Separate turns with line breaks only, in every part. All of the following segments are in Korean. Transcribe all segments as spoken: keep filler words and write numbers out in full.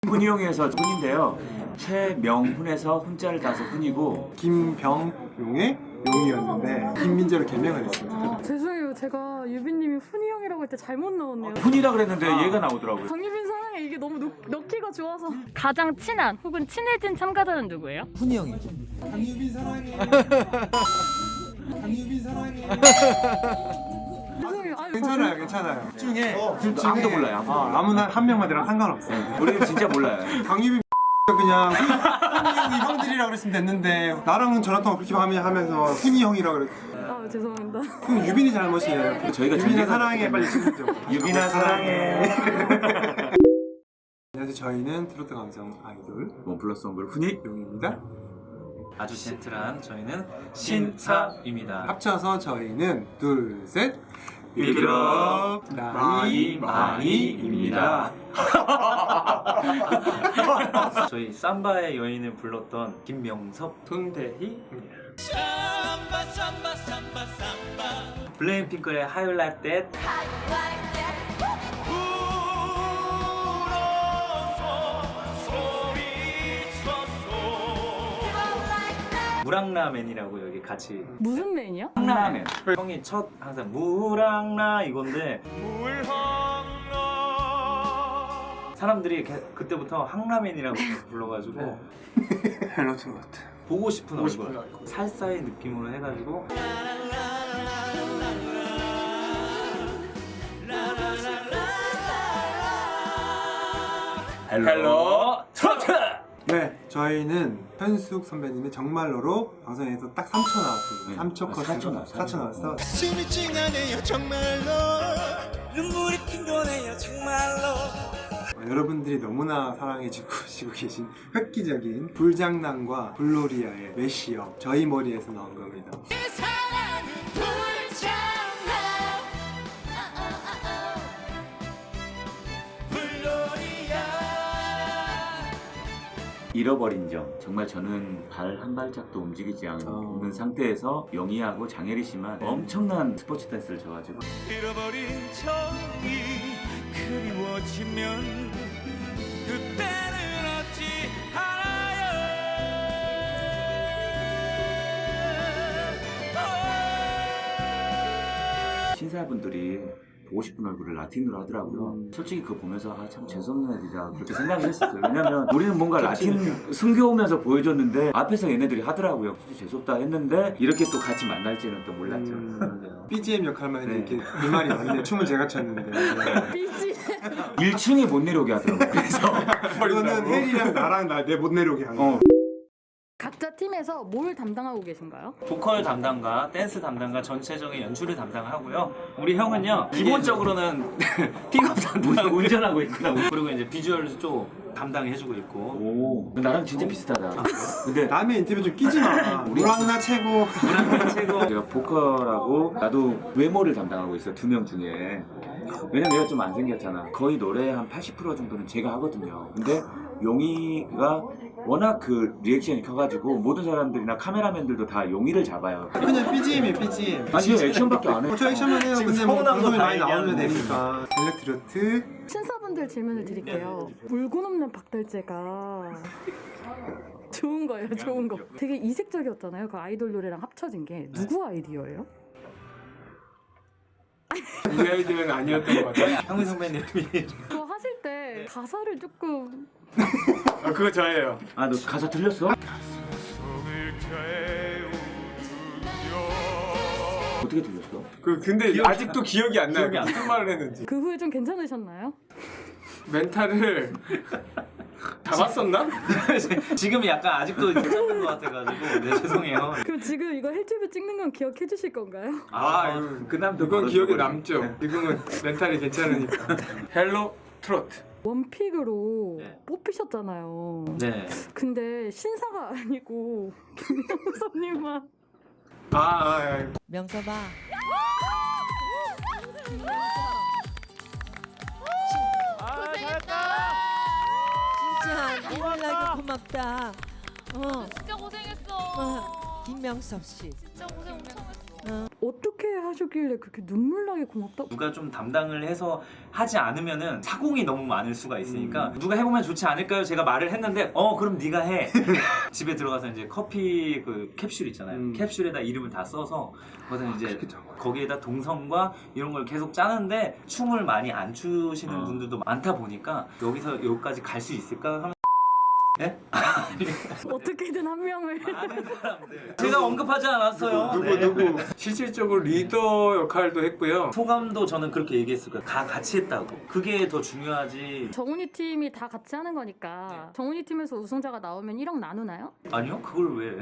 훈이용에서 훈인데요. 최명훈에서 훈자를 따서 훈이고
김병용의 용이었는데 김민재로 개명을 했습니다.
아, 죄송해요. 제가 유빈님이 훈이 형이라고 할 때 잘못 넣었네요.
훈이라 그랬는데
아.
얘가 나오더라고요.
강유빈 사랑해. 이게 너무 넣, 넣기가 좋아서. 가장 친한 혹은 친해진 참가자는 누구예요?
훈이 형이죠.
강유빈 사랑해. 강유빈 사랑해.
죄송해요. 아니,
괜찮아요, 괜찮아요. 중에 둘 중에
아무도 몰라요, 아무도
어, 아무나 한 명만 들어 상관없어요.
우리는 진짜 몰라요.
강유빈 그냥 훈이 형이 형들이라 그랬으면 됐는데 나랑은 전화통화 그렇게 하면 하면서 훈이 형이라 그랬.
아, 죄송합니다.
그럼 유빈이 잘못이에요.
저희가
유빈아
존재가-
사랑해 빨리 찍죠.
유빈아 사랑해.
안녕하세요. 저희는 트로트 감성 아이돌
원 플러스 원 그룹 훈이.
용입니다.
아주 젠틀한 저희는 신사입니다.
합쳐서 저희는 둘, 셋
비그럽
나이
마이입니다.
저희 삼바의 여인을 불렀던 김명섭, 손대희입니다. 블랙핑크의 How You Like That. 무랑라맨이라고 여기 같이
무슨 맨이요?
한라면.
형이 첫 항상 무랑라 이건데 사람들이 게- 그때부터 항라맨이라고 불러가지고
헬로 트로트
보고 싶은
보고 싶은
얼굴
얼굴.
살사의 느낌으로 해가지고
헬로 트로트.
네, 저희는 현숙 선배님의 정말로로 방송에서 딱 삼 초 나왔습니다.
네.
삼 초
아,
컷으로
사 초 나왔어요.
사 초 나왔어.
숨이 찡하네요 정말로 눈물이 핑도네요 정말로
어, 여러분들이 너무나 사랑해주고 계신 획기적인 불장난과 블로리아의 메시업 저희 머리에서 나온 겁니다.
잃어버린 점. 정말 저는 발 한 발짝도 움직이지 않는
어.
상태에서 영희하고 장혜리 씨만 엄청난 스포츠 댄스를 져가지고
잃어버린 정이 그리워지면 그때는 어찌 알아요
신사분들이 보고 싶은 얼굴을 라틴으로 하더라고요. 솔직히 그거 보면서 아, 참 재수없는 애들이다 그렇게 생각을 했었어요. 왜냐면 우리는 뭔가 라틴 숨겨오면서 보여줬는데 앞에서 얘네들이 하더라고요. 재수없다 했는데 이렇게 또 같이 만날지는 또 몰랐죠.
음, 비지엠 역할만
네.
했는데 이렇게 그 말이 맞네. 춤은 제가 췄는데.
삐지.
일 층에 못 내려오게 하더라고요. 그래서
이거는 혜리랑 나랑 나 내 못 내려오게 한
어.
거.
각자 팀에서 뭘 담당하고 계신가요?
보컬 담당과 댄스 담당과 전체적인 연출을 담당하고요. 우리 형은요 기본적으로는 픽업 담당하고
운전하고 있구나.
그리고 이제 비주얼 쪽 담당해주고 있고
오, 나랑 진짜 비슷하다. 근데
남의 인터뷰 좀 끼지 마. 우랑나 최고.
최고
제가 보컬하고 나도 외모를 담당하고 있어 두 명 중에. 왜냐면 내가 좀 안 생겼잖아. 거의 노래 한 팔십 퍼센트 정도는 제가 하거든요. 근데 용이가 워낙 그 리액션이 커가지고 모든 사람들이나 카메라맨들도 다 용이를 잡아요.
그냥 비지엠이에요 비지엠.
아니 저 액션밖에 안 해.
어, 저 액션만 해요.
지금
근데 뭐
서운한 거
방송에
다
많이 나오면
얘기하는데.
되니까. 엘렉트로트.
신사분들 질문을 드릴게요. 물고 넘는 박달재가 좋은 거예요, 좋은 거. 되게 이색적이었잖아요. 그 아이돌 노래랑 합쳐진 게 누구 아이디어예요?
우리 아이들은 아니었던 것 같아요.
형민 선배님이
그거 하실 때 가사를 조금
아, 그거 저예요.
아 너 가사 틀렸어? 어떻게 틀렸어?
그 근데 아직도 기억이 안 나요.
기억이 안
무슨 말을 했는지.
그 후에 좀 괜찮으셨나요?
멘탈을 잡았었나?
지금 약간 아직도 괜찮은 것 같아가지고 네 죄송해요.
그럼 지금 이거 헬튜브 찍는 건 기억해 주실 건가요?
아,
그 남도
이건
바로
기억에
저거지.
남죠. 지금은 멘탈이 괜찮으니까. 헬로 트로트.
원픽으로
네.
뽑히셨잖아요.
네.
근데 신사가 아니고 김영섭님만
아, 아, 아.
명섭아. 진짜 너무나게 고맙다. 어,
진짜 고생했어.
어, 김명섭 씨.
진짜 고생 엄청 했어.
어떻게 하셨길래 그렇게 눈물나게 고맙다?
누가 좀 담당을 해서 하지 않으면은 사공이 너무 많을 수가 있으니까 누가 해보면 좋지 않을까요? 제가 말을 했는데 어 그럼 네가 해. 집에 들어가서 이제 커피 그 캡슐 있잖아요.
음.
캡슐에다 이름을 다 써서 거기다 이제
그쵸.
거기에다 동선과 이런 걸 계속 짜는데 춤을 많이 안 추시는
어.
분들도 많다 보니까 여기서 여기까지 갈 수 있을까 하면 예?
어떻게든 한 명을
많은 사람들 제가 언급하지 않았어요.
누구
네.
누구
실질적으로 리더 역할도 했고요.
소감도 저는 그렇게 얘기했을 거예요. 다 같이 했다고. 그게 더 중요하지.
정훈이 팀이 다 같이 하는 거니까 정훈이 팀에서 우승자가 나오면 일억 나누나요?
아니요? 그걸 왜?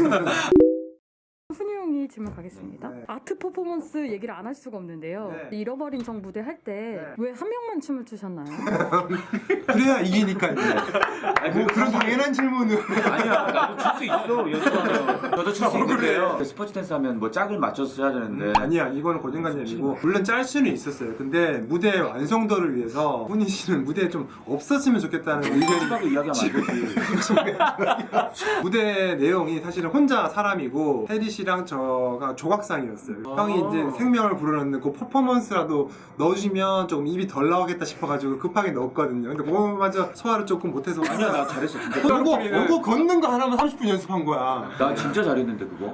훈이 형이 질문 가겠습니다.
네.
아트 퍼포먼스 얘기를 안 할 수가 없는데요.
네.
잃어버린 정 무대 할 때 왜 한 명만 춤을 추셨나요?
그래야 이기니까요. 뭐 그런 당연한 질문은
아니야, 나도 출 수 있어. 연습하면. 저도 출 수 있는데요. 스포츠 댄스 하면 뭐 짝을 맞춰서 해야 되는데.
음, 아니야 이거는 고정관념이고 물론 짤 수는 있었어요. 근데 무대 완성도를 위해서 훈이 씨는 무대에 좀 없었으면 좋겠다는 의견이
하고 이야기하면 안 되지.
무대 내용이 사실은 혼자 사람이고 혜리 씨랑 저가 조각상이었어요. 형이 이제 생명을 불어넣는 그 퍼포먼스라도 넣어주면 조금 입이 덜 나오겠다 싶어가지고 급하게 넣었거든요. 근데 그거마저 소화를 조금 못해서
아니야, 나 잘했어. 진짜.
어고 어고 걷는 거 하나만 삼십 분 연습한 거야.
나 진짜 잘했는데 그거.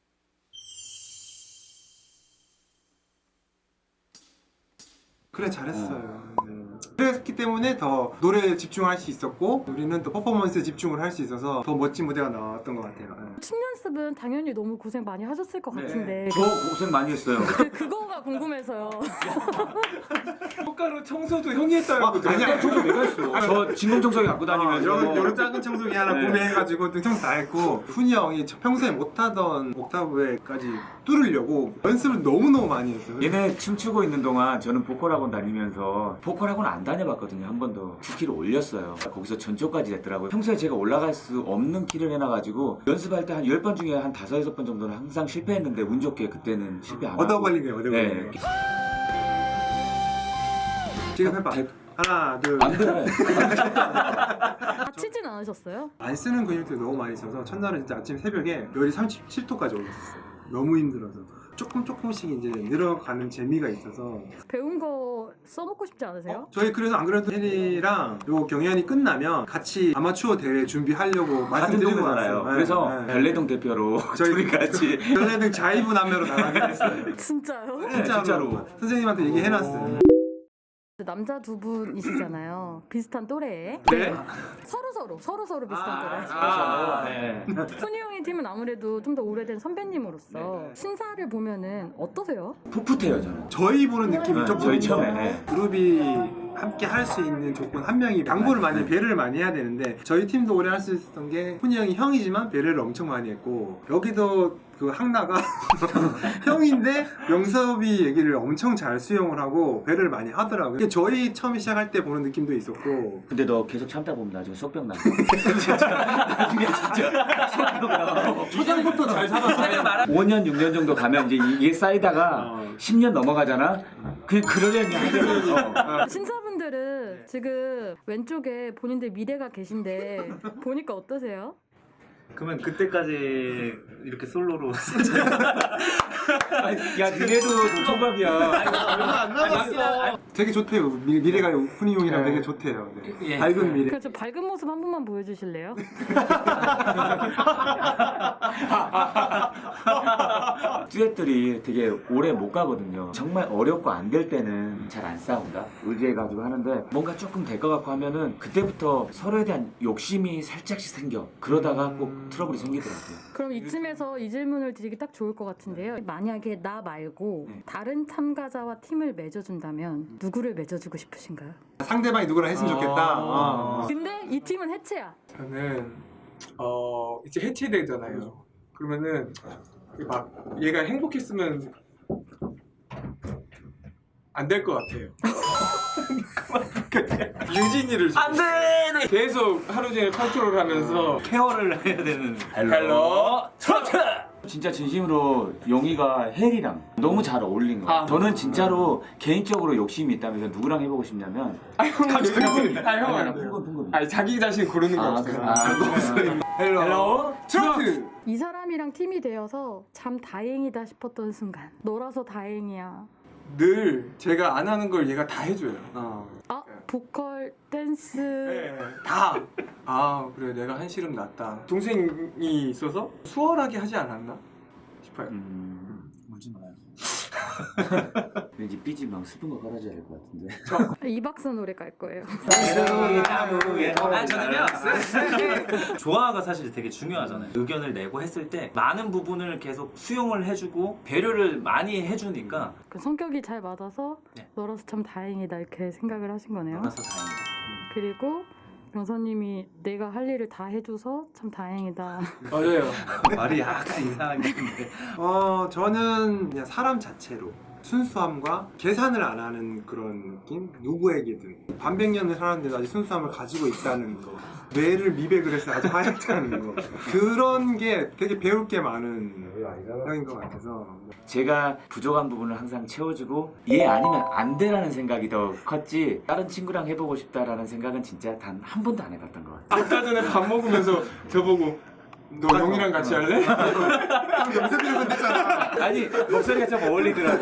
그래 잘했어요. 네. 그랬기 때문에 더 노래에 집중할 수 있었고 우리는 또 퍼포먼스에 집중을 할 수 있어서 더 멋진 무대가 나왔던 것 같아요. 네.
춤 연습은 당연히 너무 고생 많이 하셨을 것 같은데
저 고생 많이 했어요.
그, 그거가 궁금해서요.
효과로 청소도 형이 했다고
아, 아니야.
청소 내가 했어. 저 진공청소기 갖고 다니면서.
여러, 여러 작은 청소기 하나
네.
구매해가지고 청소 다 했고 훈이 형이 저 평소에 못하던 옥타브에까지 뚫으려고 연습을 너무너무 많이 했어요.
얘네 춤추고 있는 동안 저는 보컬 학원 다니면서 보컬 학원 안 다녀봤거든요. 한 번도 두 키를 올렸어요. 거기서 전초까지 됐더라고요. 평소에 제가 올라갈 수 없는 키를 해놔가지고 연습할 때 한 열 번 중에 한 다섯 여섯 번 정도는 항상 실패했는데 운 좋게 그때는 실패 안 하고.
얻어 걸린 거예요, 얻어 걸린
네.
거. 지금 해봐.
대-
하나, 둘.
안 돼.
다치진 않으셨어요?
안 쓰는 근육들이 너무 많이 있어서 첫날은 진짜 아침 새벽에 열이 삼십칠 도까지 올랐었어요. 너무 힘들어서. 조금 조금씩 이제 늘어가는 재미가 있어서
배운 거 써먹고 싶지 않으세요?
저희 그래서 안 그래도 혜리랑 요 경연이 끝나면 같이 아마추어 대회 준비하려고
같은
말씀드리고
동네잖아요.
왔어요.
그래서
네, 네.
별내동 대표로
저희
둘이 같이.
별내등 자이부 남매로 나가게 됐어요.
진짜요?
네,
진짜로.
진짜로.
선생님한테 얘기해놨어요.
남자 두 분이시잖아요. 비슷한 또래에.
네.
서로 서로 서로 서로 비슷한 또래.
아, 네.
훈이 형의 팀은 아무래도 좀 더 오래된 선배님으로서 신사를 보면은 어떠세요?
풋풋해요 저는.
저희 보는 느낌이
네,
조금
저희 처음에. 네.
그룹이 함께 할 수 있는 조건 한 명이 양보를 많이 배려를 많이 해야 되는데 저희 팀도 오래 할 수 있었던 게 훈이 형이 형이지만 배려를 엄청 많이 했고 여기도 그 항나가 형인데 명섭이 얘기를 엄청 잘 수용을 하고 배려를 많이 하더라고요. 이게 저희 처음 시작할 때 보는 느낌도 있었고
근데 너 계속 참다 보면 나중에 속병 나. 진짜 나중에 진짜 속병 나.
초장부터 잘 살았어요.
오 년, 육 년 정도 가면 이제 이게 쌓이다가
어.
십 년 넘어가잖아. 그 그러려니 하더라고. 어.
신사분들은 지금 왼쪽에 본인들 미래가 계신데 보니까 어떠세요?
그러면 그때까지 이렇게 솔로로
야, 니네도 초밥이야.
얼마 안 남았어. 되게 좋대요. 미, 미래가 훈이 형이랑 되게 좋대요. 네.
예.
밝은 미래.
그래서 밝은 모습 한 번만 보여주실래요?
듀엣들이 되게 오래 못 가거든요. 정말 어렵고 안 될 때는 잘 안 싸운다. 의지해가지고 하는데 뭔가 조금 될 것 같고 하면은 그때부터 서로에 대한 욕심이 살짝씩 생겨. 그러다가 꼭 트러블이 생기더라고요.
그럼 이쯤에서 이 질문을 드리기 딱 좋을 것 같은데요. 만약에 나 말고
네.
다른 참가자와 팀을 맺어준다면 누구를 맺어주고 싶으신가요?
상대방이 누구랑 했으면 좋겠다. 어.
근데 이 팀은 해체야.
저는 어 이제 해체되잖아요. 그러면은 막 얘가 행복했으면 안 될 것 같아요. 유진이를
안돼
계속 하루 종일 컨트롤하면서
케어를 해야 되는
헬로
트로트
진짜 진심으로 용이가 헬이랑 너무 잘 어울린 거 같아요.
아,
저는 진짜로 개인적으로 욕심이 있다면서 누구랑 해보고 싶냐면
아 형,
갑자기
아 형,
아니,
안
나
돼요.
풍금 풍금.
아니 자기 자신 고르는 거
아,
없어요.
그- 아,
헬로,
헬로
트로트.
이 사람이랑 팀이 되어서 참 다행이다 싶었던 순간. 너라서 다행이야.
늘 제가 안 하는 걸 얘가 다 해줘요.
어.
아 보컬, 댄스.
네, 다. 아 그래 내가 한시름 낫다. 동생이 있어서 수월하게 하지 않았나 싶어요.
음,
울지 마요.
왠지 삐지 막 스푼 거 깔아줘야 될 것 같은데.
이박사 노래 갈 거예요.
아 저는요 조화가 사실 되게 중요하잖아요. 의견을 내고 했을 때 많은 부분을 계속 수용을 해주고 배려를 많이 해주니까
그 성격이 잘 맞아서
네.
너라서 참 다행이다 이렇게 생각을 하신 거네요.
알아서 다행이다.
그리고 병선님이 내가 할 일을 다 해줘서 참 다행이다.
맞아요.
말이 약간 이상하게 했는데
어, 저는 그냥 사람 자체로 순수함과 계산을 안 하는 그런 느낌? 누구에게든 반백년을 살았는데 아직 순수함을 가지고 있다는 거, 뇌를 미백을 해서 아직 하얗다는 거, 그런 게 되게 배울 게 많은 형인 것 같아서.
제가 부족한 부분을 항상 채워주고 얘 아니면 안 돼라는 생각이 더 컸지 다른 친구랑 해보고 싶다라는 생각은 진짜 단 한 번도 안 해봤던 것 같아요.
아까 전에 밥 먹으면서 저보고 너 용이랑 같이 할래?
염색비를 건넸잖아.
아니 목소리가 좀 어울리더라고.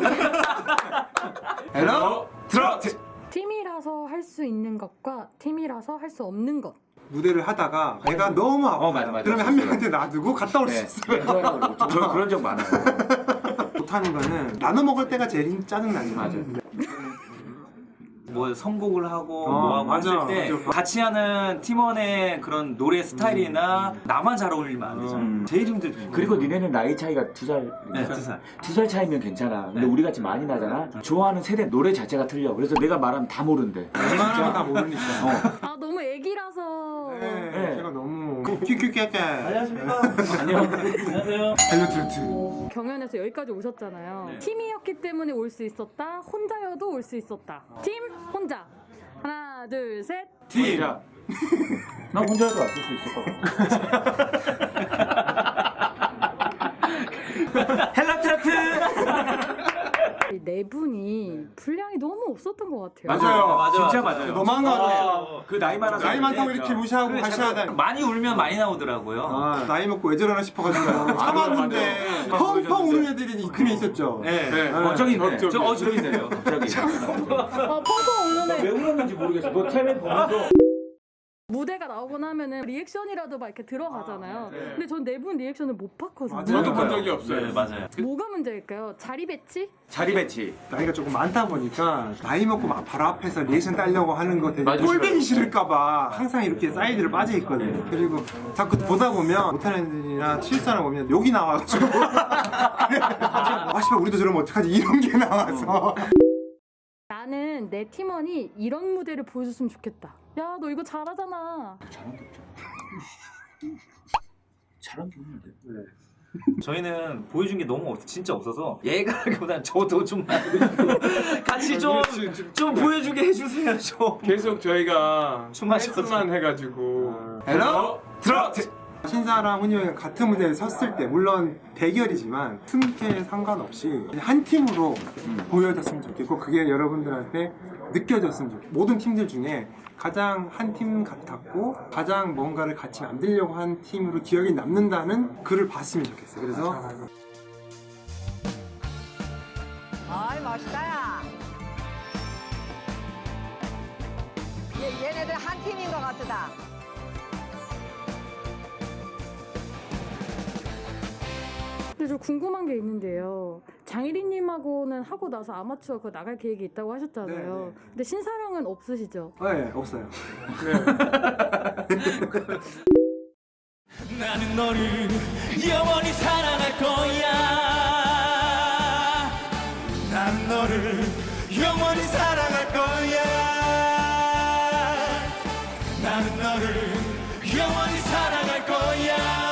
헬로 트로트!
팀이라서 할 수 있는 것과 팀이라서 할 수 없는 것.
무대를 하다가 내가 너무 아파.
어, 맞아, 맞아.
그러면 한 명한테 놔두고 갔다 올 수
네,
있어요.
네, 저 그런 적 많아요.
못하는 거는 나눠 먹을 때가 제일 짜증나죠.
맞아.
뭐 선곡을 하고
어,
뭐 하고
맞아,
했을 때
맞아.
같이 하는 팀원의 그런 노래 스타일이나 나만 잘 어울리면 안 되잖아.
음.
제일 힘들죠.
그리고 니네는 나이 차이가 두 살.
네, 두 살.
두 살 차이면 괜찮아. 근데
네.
우리 같이 많이 나잖아. 좋아하는 세대 노래 자체가 틀려. 그래서 내가 말하면 다 모른대.
웬만하면 다 모르니까.
어.
아 너무 애기라서.
네,
네.
제가 너무 큐큐큐큐.
안녕하십니까. 안녕. 안녕하세요.
헬로 트로트.
경연에서 여기까지 오셨잖아요.
네.
팀이었기 때문에 올 수 있었다. 혼자여도 올 수 있었다. 팀 혼자. 하나 둘 셋.
팀이라. 나 혼자도 왔을 수 있을 것 같아. 헬라 트로트.
이 네 분이 분량이 너무 없었던 것 같아요.
맞아요.
맞아,
진짜
맞아.
맞아요.
너무한 거 같아요.
어,
그 나이 많아서.
나이 많다고
그래.
이렇게 무시하고
그래,
가셔야
자꾸
돼.
많이 울면 많이 나오더라고요.
아, 나이 먹고 왜 저러나 싶어가지고 참았는데
맞아.
펑펑 우는 애들이 이쯤에 있었죠.
네.
네.
어, 저기 있네.
저기.
저, 어, 저기 있네요. 갑자기.
아 펑펑 우는 애.
왜 울었는지 모르겠어. 너 텔레 보면서.
무대가 나오고 나면은 리액션이라도 막 이렇게 들어가잖아요.
네.
근데 전 네 분 리액션을 못 봤거든요.
맞아요.
저도 본 적이 없어요.
네, 맞아요.
뭐가 문제일까요? 자리 배치?
자리 배치.
나이가 조금 많다 보니까 나이 먹고 막 바로 앞에서 리액션 따려고 하는 거 되게
맞아,
꼴보기 싫을까봐 항상 이렇게 사이드를 빠져 있거든요. 그리고 자꾸 보다 보면 못하는 애들이나 실수하는 거 보면 욕이 나와가지고 아 씨발 우리도 저러면 어떡하지 이런 게 나와서
나는 내 팀원이 이런 무대를 보여줬으면 좋겠다. 야 너 이거 잘하잖아.
잘한 게 없잖아. 잘한 게 없는데.
저희는 보여준 게 너무 없, 진짜 없어서 얘가 하기보단 저도 좀 같이 좀,
그렇지.
좀 보여주게 해주세요 좀.
계속 저희가
춤 하셔서
만 해가지고
헬로 트로트! 신사랑 훈이 형이 같은 무대에 섰을 때 물론 대결이지만 틈새 상관없이 한 팀으로 보여줬으면 좋겠고 그게 여러분들한테 느껴졌으면 좋겠고 모든 팀들 중에 가장 한 팀 같았고 가장 뭔가를 같이 만들려고 한 팀으로 기억이 남는다는 글을 봤으면 좋겠어요. 그래서
아이 멋있다 야. 얘, 얘네들 한 팀인 것 같다.
근데 저 궁금한 게 있는데요. 장일이님하고는 하고 나서 아마추어 그 나갈 계획이 있다고 하셨잖아요.
네, 네.
근데 신사랑은 없으시죠?
네 없어요.
나는 너를 영원히 사랑할 거야. 난 너를 영원히 사랑할 거야. 나는 너를 영원히 사랑할 거야.